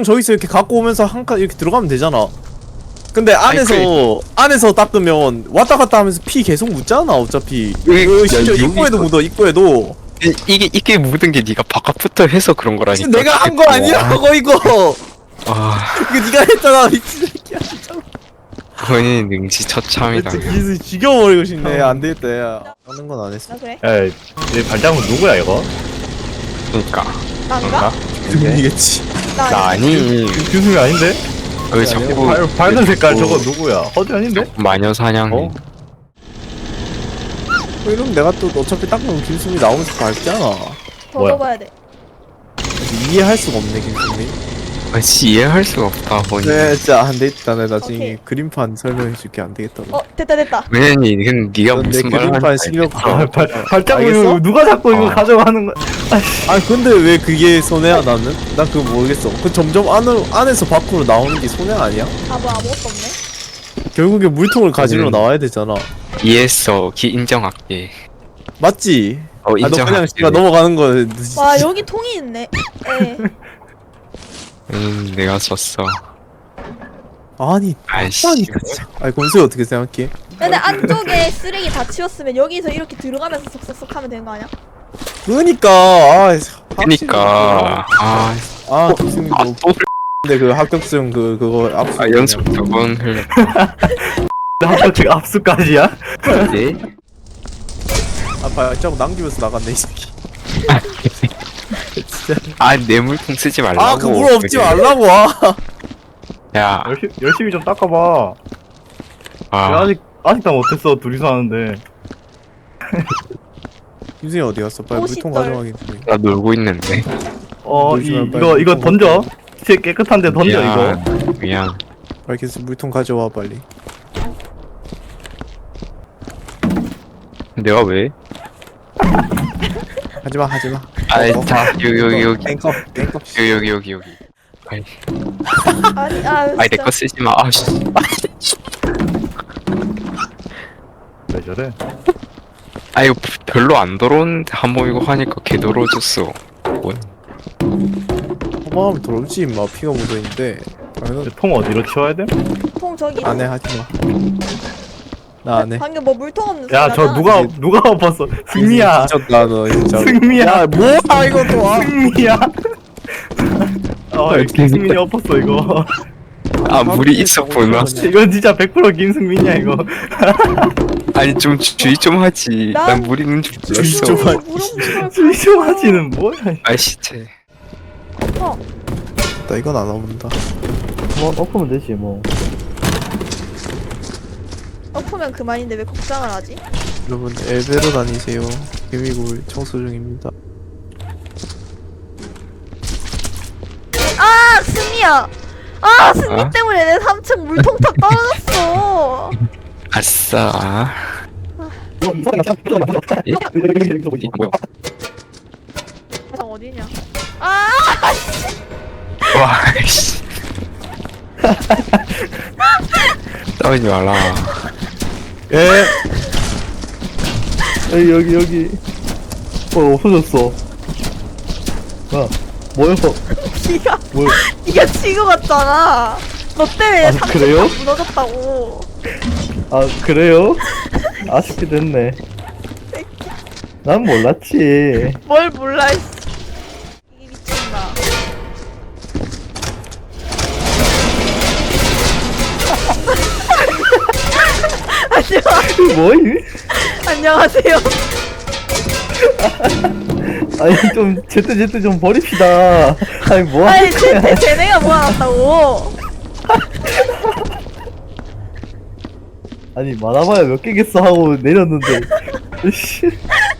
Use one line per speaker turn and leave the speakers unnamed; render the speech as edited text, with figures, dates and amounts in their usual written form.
물통 저기서 이렇게 갖고 오면서 한 칸 이렇게 들어가면 되잖아. 근데 안에서 닦으면 왔다 갔다 하면서 피 계속 묻잖아 어차피. 심지어 입구에도 묻어 입구에도.
이게 묻은 게 네가 바깥부터 해서 그런 거라니까.
내가 한 거 아니라고 이거.
아,
이거 네가 했잖아 미친 새끼야 진짜.
본인 능지처참이다.
진짜 죽여버리고 싶네. 안 되겠다 야. 하는 건 안 했어.
아 그래?
야, 이 발자국 누구야 이거?
그니까.
난가?
금이겠지.
나 아니.
규승이 아닌데?
왜 자꾸
밝은 색깔 저거 누구야? 허지 아닌데?
마녀 사냥해.
어?
이러면 내가 또 어차피 닦으면 김수미 나오면서 밟잖아.
더
뭐야?
넣어봐야 돼.
이해할 수가 없네 김수미.
아씨 이해할 수가 없다 본인.
네 진짜 안 되겠다. 내가 나중에
오케이.
그림판 설명해줄게. 안 되겠다.
됐다.
왜냐면 이건 네가
넌내
무슨 말을
그림판
하는지
실력.
발자국
알겠어?
이거 누가 자꾸 이거
아.
가져가는 거야?
아 근데 왜 그게 손해야 나는? 난 그거 모르겠어. 그 점점 안에서 밖으로 나오는 게 손해 아니야?
뭐 아무것도 없네.
결국에 물통을 가지러 나와야 되잖아.
이해했어. 인정할게.
맞지?
어
아 너 그냥
인정할게.
씨가 넘어가는 거.
와 여기 통이 있네. 에.
내가 졌어.
아니
아이씨.
아니까 진짜. 아니 권수야 어떻게 생각해?
근데 안쪽에 쓰레기 다 치웠으면 여기서 이렇게 들어가면서 쏙쏙쏙 하면 되는 거 아니야?
그러니까
그니까
아 김수미 너
또
근데 그 합격증 그거 압수.
연습 2번 흘려.
합격증 압수까지야?
네?
아빠 자꾸 남기면서 나갔네 이 새끼. 진짜.
내 물통 쓰지 말라고.
아 그 물 없지 말라고 와.
야,
열심히 좀 닦아봐. 왜 아직 다 못했어 둘이서 하는데.
김수미 어디 갔어? 빨리
옷이
물통
떨.
가져가기.
나 놀고 있는데.
이거 던져. 진짜 깨끗한데 던져 이거.
미안.
빨리 계속 물통 가져와 빨리.
내가 왜?
하지마 하지마.
아이 자 여기
땡컵.
여기. 아이
아니
내 거 쓰지 마. 아씨.
왜 저래?
아 이거 별로 안 더러운데 한번 이거 하니까 개 더러워졌어. 뭔?
허망하면 더럽지 임마. 피가 묻어있는데.
통 어디로 치워야 돼?
통 저기.
안해 하지마. 나 안해.
방금 뭐 물통 없는
야 저
소리잖아.
누가 엎었어? 승리야.
미쳤다 너 진짜.
승리야.
야 뭐야 이거 또 와.
승리야. 김승민이 엎었어 이거.
아 물이 있었구나.
이건 진짜 100% 김승민이야 이거.
아니 좀 주의 좀 하지. 난 물 있는 줄
주의
몰랐어.
좀 하지.
수이쇼하지는 뭐야?
아이씨 쟤.
나 이건 안 와본다.
뭐 엎으면 되지 뭐.
엎으면 그만인데 왜 걱정을 하지?
여러분 엘베로 다니세요. 개미굴 청소 중입니다.
아 승리야. 승리 때문에 내 3층 물통 다 떨어졌어.
아싸. 뭐야?
어디냐?
와 씨. 싸우지 말라.
예. 여기. 없어졌어. 뭐야?
니가 치고 갔잖아. 너 때문에 3층
그래요?
다 무너졌다고.
그래요? 아쉽게 됐네. 난 몰랐지.
뭘 몰라. 이 미친다.
뭐이?
안녕하세요.
아니 좀 제때 좀 버립시다. 아니 뭐
아니
하는 거야?
쟤네가 모아놨다고.
아니 많아봐야 몇 개겠어 하고 내렸는데. 씨.